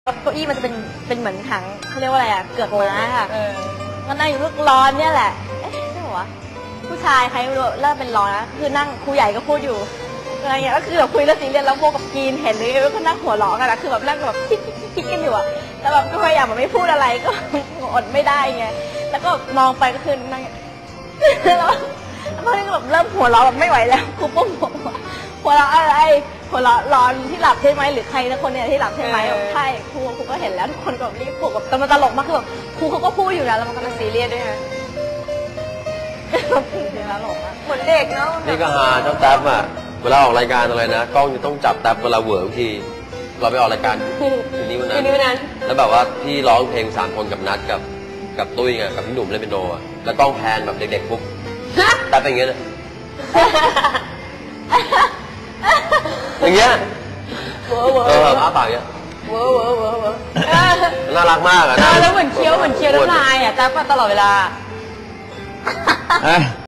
เก้าอี้มันจะเป็นเหมือนถังเขาเรียกว่าอะไรอะเกือกม้าค่ะก็นั่งอยู่ลูกร้อนเนี่ยแหละเอ๊ะใช่หัวผู้ชายใครไม่รู้เริ่มเป็นร้อนนะคือนั่งครูใหญ่ก็พูดอยู่อะไรเงี้ยก็คือแบบคุยเรื่องซีเรียสแล้วพวกกับกีนเห็นเลยก็นั่งหัวเราะกันนะคือแบบนั่งแบบคิดกันอยู่อะแล้วแบบก็พยายามแบบไม่พูดอะไรก็อดไม่ได้ไงแล้วก็มองไปก็คือนั่งแล้วพอนี้ก็แบบเริ่มหัวเราะแบบไม่ไหวแล้วครูปุ้มหัวเราะอะไรหัวเราะร้อนที่หลับใช่ไหมหรือใครนะคนเนี่ยที่หลับใช่ไหมใช่ครูก็เห็นแล้วทุกคนก็รีบปลุกแบบแต่มันตลกมากคือแบบครูเขาก็พูดอยู่นะแล้วมันก็ซีเรียสด้วยฮะตลกมากเหมือนเด็กเนาะนี่ก็หาเจ้าแท็บอ่ะเวลาออกรายการอะไรนะกล้องจะต้องจับแท็บเวลาเหวอร์บางทีเราไปออกรายการคืนนี้วันนั้นแล้วแบบว่าพี่ร้องเพลง3 คนกับนัดกับตุ้ยไงกับพี่หนุ่มเล่นเปียโนอ่ะแล้วกล้องแพนแบบเด็กๆปุ๊บแท็บเป็นอย่างเงี้ยอย่างเงี้ยอ้าปากอย่างเงี้ยน่ารักมากอ่ะแล้วเหมือนเคี้ยวน้ำลายอ่ะแต่ตลอดเวลา